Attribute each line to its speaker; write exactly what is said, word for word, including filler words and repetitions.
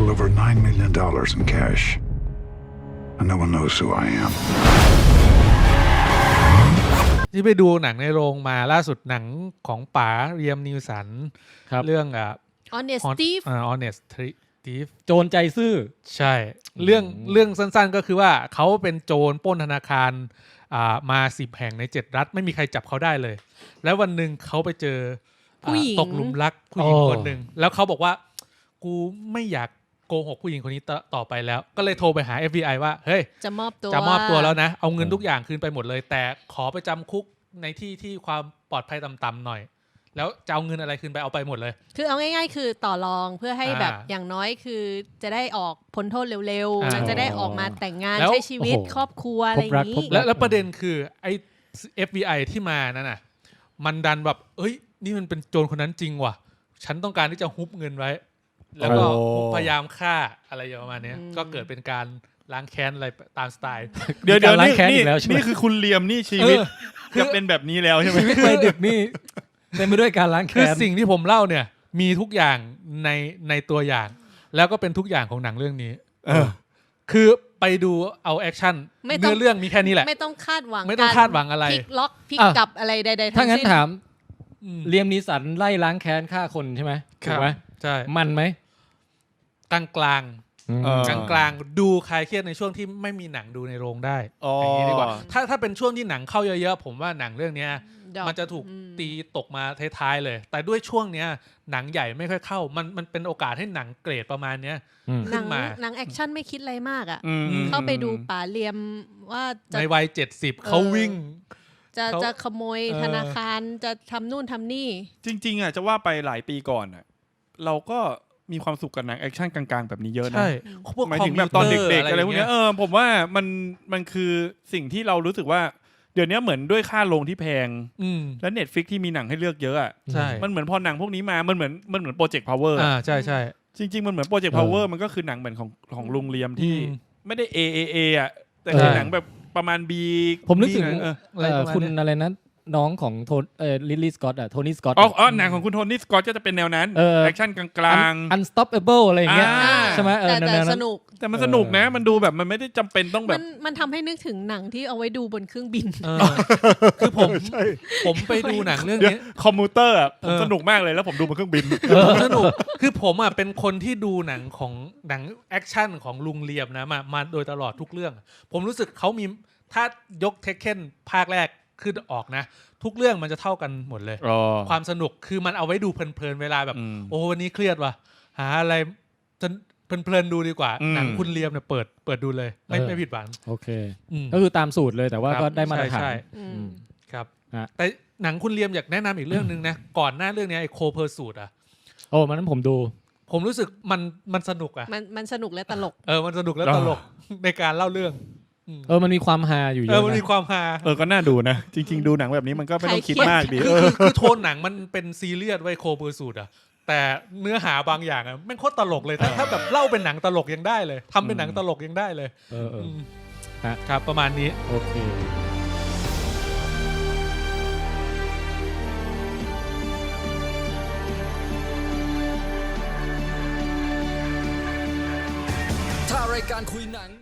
Speaker 1: little over nine million dollars in cash. And no one knows who I am.
Speaker 2: ที่ไปดูหนังในโรงมาล่าสุดหนังของป๋าเรียมนิวสันเรื่องอ่ะ
Speaker 3: Honest Thief
Speaker 2: อ่า Honest Thief
Speaker 4: โจรใจซื่อ
Speaker 2: ใช่เรื่องเรื่องสั้นๆก็คือว่าเขาเป็นโจรปล้นธนาคารอ่ามาสิบแห่งในเจ็ดรัฐไม่มีใครจับเขาได้เลยแล้ววันหนึ่งเขาไปเจอผู้หญิงตกหลุมรักผู้หญิงคนหนึ่งแล้วเขาบอกว่ากูไม่อยากโกหกผู้หญิงคนนี้ต่อไปแล้วก็เลยโทรไปหา เอฟ บี ไอ ว่าเฮ้ย
Speaker 3: จะมอบตัว
Speaker 2: จะมอบตัวแล้วนะเอาเงินทุกอย่างคืนไปหมดเลยแต่ขอไปจำคุกในที่ที่ความปลอดภัยต่ำๆหน่อยแล้วจะเอาเงินอะไรคืนไปเอาไปหมดเลย
Speaker 3: คือเอาง่ายๆคือต่อรองเพื่อให้แบบอย่างน้อยคือจะได้ออกพ้นโทษเร็วๆแล้วจะได้ออกมาแต่งงานใช้ชีวิตครอบครัวอะไรอย่างนี้
Speaker 2: แล้วแล้วประเด็นคือไอ้ เอฟ บี ไอ ที่มานั่นน่ะมันดันแบบเอ้ยนี่มันเป็นโจรคนนั้นจริงว่ะฉันต้องการที่จะฮุบเงินไว้แล้วก็พยายามฆ่าอะไรประมาณนี้ก็เกิดเป็นการล้างแค้นอะไรตามสไตล์
Speaker 5: เดี๋ยวเดี๋ยวนี่นี่คือคุณเลียมนี่ชีวิตจะเป็นแบบนี้แล้วใช่ไหม
Speaker 4: ชีวิตวัยดึกนี่เต็มไปด้วยการล้างแค้น
Speaker 2: คือสิ่งที่ผมเล่าเนี่ยมีทุกอย่างในในตัวอย่างแล้วก็เป็นทุกอย่างของหนังเรื่องนี้คือไปดูเอาแอคชั่นเนื้อเรื่องมีแค่นี้แหละ
Speaker 3: ไม่ต้องคาดหวัง
Speaker 2: ไม่ต้องคาดหวังอะไร
Speaker 3: พลิกล็อกพลิกกลับอะไรใดๆทั้งสิ้น
Speaker 4: ถ้างั้นถามเลียมนีสันไล่ล้างแค้นฆ่าคนใช่ไหมถูกไหม
Speaker 2: ใช่
Speaker 4: มันไหม
Speaker 2: กลางกลางกลางกลางดูคลายเครียดในช่วงที่ไม่มีหนังดูในโรงได้อย่างนี้ดีกว่าถ้าถ้าเป็นช่วงที่หนังเข้าเยอะๆผมว่าหนังเรื่องนี้มันจะถูกตีตกมาท้ายๆเลยแต่ด้วยช่วงเนี้ยหนังใหญ่ไม่ค่อยเข้ามันมันเป็นโอกาสให้หนังเกรดประมาณเนี้ยขึ้นมา
Speaker 3: หนังแอคชั่นไม่คิดอะไรมากอ่ะเข้าไปดูป๋าเลียมว่า
Speaker 2: ในวัยเจ็ดสิบเขาวิ่ง
Speaker 3: จะจะขโมยธนาคารจะทำนู่นทำนี่
Speaker 5: จริงๆอ่ะจะว่าไปหลายปีก่อนอ่ะเราก็มีความสุขกับหนังแอคชั่นกลางๆแบบนี้เยอะนะ
Speaker 2: ใช่
Speaker 5: หมายถึงแบบตอนเด็กๆอะไรพวกนี้เออผมว่ามันมันคือสิ่งที่เรารู้สึกว่าเดี๋ยวนี้เหมือนด้วยค่าโรงที่แพงและ Netflix ที่มีหนังให้เลือกเยอะอ่ะมันเหมือนพอหนังพวกนี้มามันเหมือนมันเหมือนโปรเจกต์พาวเวอร์
Speaker 2: อ่าใช่ใช่
Speaker 5: จริงๆมันเหมือนโปรเจกต์พาวเวอร์มันก็คือหนังเหมือนของของลุงเลียมที่ไม่ได้ A A A อ่ะแต่คือหนังแบบประมาณ B
Speaker 4: ผมนึกถึงคุณอะไรนะน้องของโทนเอ่อลิลลี่สกอตต์อ่ะโทนี่สกอตต์
Speaker 5: อ๋ออ๋อหนังของคุณโทนี่สกอตต์ก็จะเป็นแนวนั้นแอคชั่นกลาง
Speaker 4: ๆ Unstoppable อะไรอย่างเงี้ยใช่ไหมเออ
Speaker 3: แต่สนุก
Speaker 5: แต่มันสนุกนะมันดูแบบมันไม่ได้จำเป็นต้องแบบ
Speaker 3: มันมันทำให้นึกถึงหนังที่เอาไว้ดูบนเครื่องบิน
Speaker 2: คือผมผมไปดูหนังเรื่องนี้
Speaker 5: คอมพิวเตอร์อ่ะผมสนุกมากเลยแล้วผมดูบนเครื่องบิน
Speaker 2: สนุกคือผมอ่ะเป็นคนที่ดูหนังของหนังแอคชั่นของลุงเลียมนะมามาโดยตลอดทุกเรื่องผมรู้สึกเขามีถ้ายกเทคเคนภาคแรกขึ้นออกนะทุกเรื่องมันจะเท่ากันหมดเลยความสนุกคือมันเอาไว้ดูเพลินๆเวลาแบบโอ้วันนี้เครียดว่ะหาอะไรจะเพลินๆดูดีกว่าหนังคุณเลียมเนี่ยเปิดเปิดดูเลยไม่ไม่ผิดหวัง
Speaker 4: โอเคก็คือตามสูตรเลยแต่ว่าก็ได้มาตรฐาน
Speaker 2: ครับแต่หนังคุณเลียมอยากแนะนำอีกเรื่องนึงนะก่อนหน้าเรื่องนี้ไอ้โคเพอร์สูตอ่ะ
Speaker 4: โอ้มันนั้นผมดู
Speaker 2: ผมรู้สึกมันมันสนุกอ่ะ
Speaker 3: มันมันสนุกและตลก
Speaker 2: เออมันสนุกและตลกในการเล่าเรื่อง
Speaker 4: เออมันมีความฮาอยู่เยอะ
Speaker 2: เออมันมีความฮา
Speaker 5: เออก็น่าดูนะจริงๆดูหนังแบบนี้มันก็ไม่ต้องคิดมากดี
Speaker 2: คือคือโทนหนังมันเป็นซีเรียสไว้โคเพอร์สูตอ่ะแต่เนื้อหาบางอย่างอ่ะแม่งโคตรตลกเลยถ้าถ้าแบบเล่าเป็นหนังตลกยังได้เลยทำเป็นหนังตลกยังได้เลย
Speaker 4: เออเออ
Speaker 2: ครับประมาณนี้
Speaker 4: โอเคถ้ารายการคุยหนัง